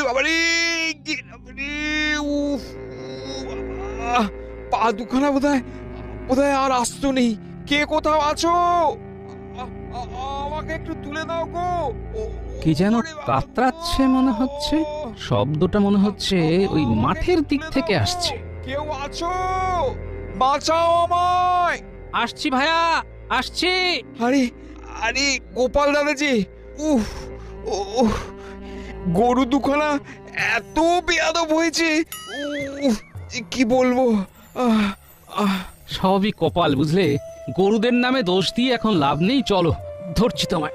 বাবারে, বাবারে, উফ, বাবা, পা দুখানা বোধহয় বোধহয় আর আস্ত নেই। কে কোথাও আছো? আমাকে একটু তুলে দাও গো। কি যেন ওরে বাবা, কাতরাচ্ছে মনে হচ্ছে। শব্দটা মনে হচ্ছে ওই মাঠের দিক থেকে আসছে। কেউ আছো? বাঁচাও আমায়। আসছি ভাইয়া, আসছি। আরে আরে, গোপাল দাদা যে, উফ, উফ, গরু দুখানা এত বেয়াদব হয়েছে, উফ, যে কি বলবো। আহ, আহ, সবই কপাল বুঝলে, গরুদের নামে দোষ দিয়ে এখন লাভ নেই। চলো ধরছি তোমায়।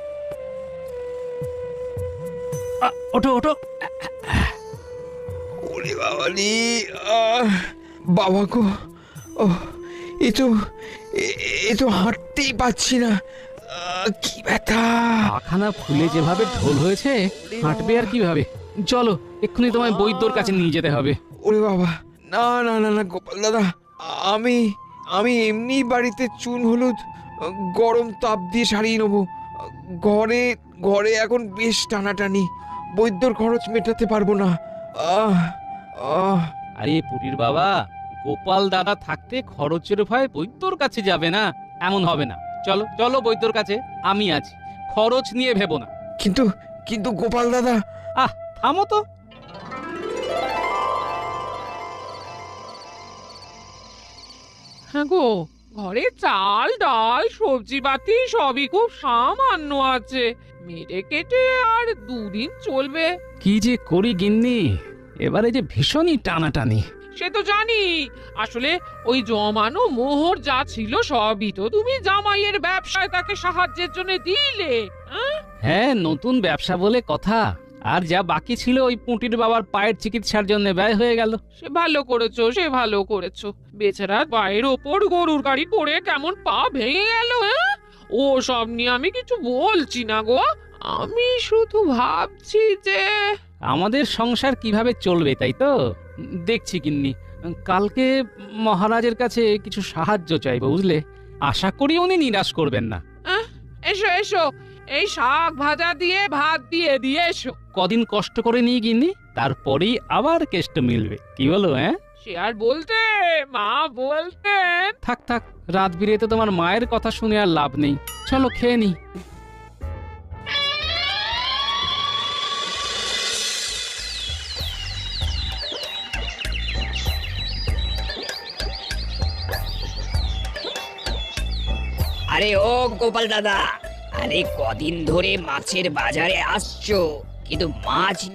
ওঠো ওঠো। ওরে বাবা রে, বাবা গো, ও, এ তো এ তো হাঁটতেই পাচ্ছি না, কি ব্যথা। পাখানা ফুলে যেভাবে ঢোল হয়েছে, হাঁটবে আর কিভাবে? চলো এক্ষুনি তোমায় বৈদ্যর কাছে নিয়ে যেতে হবে। ওরে বাবা, না না না না গোপাল দাদা, আমি আমি এমনি বাড়িতে চুন হলুদ গরম তাপ দিয়ে সারিয়ে নেবো। ঘরে ঘরে এখন বেশ টানাটানি, বৈদ্যর খরচ মেটাতে পারবো না। আহ আহ আরে পুটির বাবা, গোপাল দাদা থাকতে খরচের ভয় বৈদ্যর কাছে যাবে না, এমন হবে না। চলো চলো বৈদ্যর কাছে, আমি আছি, খরচ নিয়ে ভেবো না। কিন্তু কিন্তু গোপাল দাদা, আহ থামো তো। হ্যাঁ গো, ঘরে চাল ডাল সবজি পাতি সবই খুব সামান্য আছে। মেরে কেটে আর দুদিন চলবে। কি যে করি গিন্নি, এবারে যে ভীষণই টানাটানি। সে তো জানি, আসলে ওই জমানো মোহর যা ছিল সবই তো তুমি জামাইয়ের ব্যবসায় তাকে সাহায্যের জন্য দিলে। হ্যাঁ? হ্যাঁ, নতুন ব্যবসা বলে কথা। আর যা বাকি ছিল ওই পুঁটির বাবার পায়ের চিকিৎসার জন্য ব্যয় হয়ে গেল। সে ভালো করেছো, সে ভালো করেছো। বেচারা পায়ের ওপর গরুর গাড়ি পড়ে কেমন পা ভেঙে গেল। হ্যাঁ, ও সব নিয়ে আমি কিছু বলছি না গো, আমি শুধু ভাবছি যে আমাদের সংসার কিভাবে চলবে তাই তো দেখছি গিন্নি। কালকে মহারাজের কাছে কিছু সাহায্য চাইবো বুঝলে, আশা করি উনি নিরাশ করবেন না। এসো এসো, এই শাক ভাজা দিয়ে ভাত দিয়ে দিয়ে এসো। কদিন কষ্ট করে নিয়ে গিন্নি, তারপরেই আবার কেষ্ট মিলবে, কি বলো? হ্যাঁ সে আর বলতে, মা বলতেন। থাক থাক, রাত বিরেতে তোমার মায়ের কথা শুনে আর লাভ নেই। চলো খেয়ে নি। আরে ও গোপাল দাদা, আরে কদিন ধরে মাছের বাজারে আসছো, কিন্তু মাছ